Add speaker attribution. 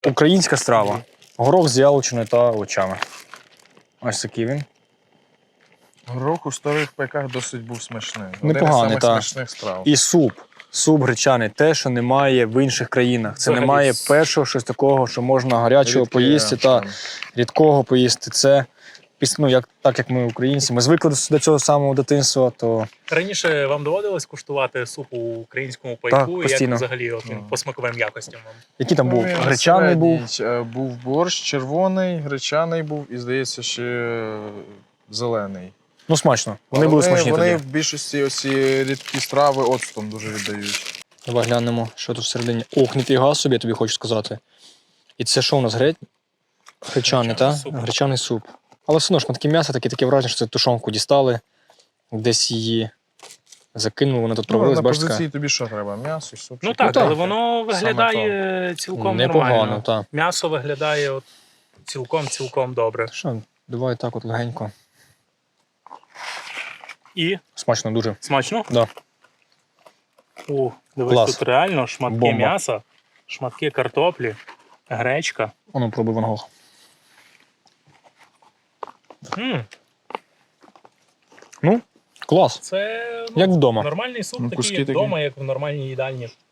Speaker 1: Українська страва. Горох з яловичиною та овочами. Ось такий він.
Speaker 2: Горох у старих пайках досить був смачний.
Speaker 1: Непоганий,
Speaker 2: один із самих смачних страв.
Speaker 1: І суп. Суп гречаний. Те, що немає в інших країнах. Це
Speaker 3: Взагалі.
Speaker 1: немає першого щось такого, що можна гарячого
Speaker 2: Рідке,
Speaker 1: поїсти та
Speaker 2: що-
Speaker 1: рідкого поїсти. Це, ну, так як ми українці. Ми звикли до цього самого дитинства, то
Speaker 3: Раніше вам доводилось куштувати суп у українському пайку?
Speaker 1: Так,
Speaker 3: І як
Speaker 1: постійно.
Speaker 3: взагалі от він по смаковим якостям вам?
Speaker 1: який там був?
Speaker 2: Він
Speaker 1: Гречаний був.
Speaker 2: середній. Був борщ червоний, гречаний був і, здається, ще зелений.
Speaker 1: Ну, смачно. Вони
Speaker 2: Але
Speaker 1: були смачні
Speaker 2: Вони
Speaker 1: тоді.
Speaker 2: в більшості оці рідкі страви оцтом дуже віддають.
Speaker 1: Давай глянемо, що тут всередині. Ох, ніфіга собі, я тобі хочу сказати. І це що у нас? Гречаний, так?
Speaker 3: суп.
Speaker 1: Гречаний суп. Але все одно шматки м'яса, таке враження, що це тушонку дістали, десь її закинули, вона тут провелась,
Speaker 2: на
Speaker 1: бачите?
Speaker 2: позиції тобі що треба? М'ясо, суп?
Speaker 3: Ну
Speaker 2: чи
Speaker 3: так,
Speaker 2: картопля?
Speaker 3: але воно
Speaker 2: Саме
Speaker 3: виглядає цілком
Speaker 1: Непогано,
Speaker 3: нормально.
Speaker 1: так.
Speaker 3: М'ясо виглядає от цілком добре.
Speaker 1: Що, давай так от легенько.
Speaker 3: І
Speaker 1: Смачно дуже.
Speaker 3: смачно?
Speaker 1: Да.
Speaker 3: О, дивись,
Speaker 1: Клас.
Speaker 3: тут реально шматки
Speaker 1: Бомба.
Speaker 3: м'яса, шматки картоплі, гречка.
Speaker 1: Ану, пробуй Ван Гог.
Speaker 3: М,
Speaker 1: Ну, клас.
Speaker 3: Це
Speaker 1: Як вдома.
Speaker 3: нормальний суп,
Speaker 2: Ну,
Speaker 3: такий
Speaker 2: куски
Speaker 3: як
Speaker 2: такі.
Speaker 3: вдома, як в нормальній їдальні.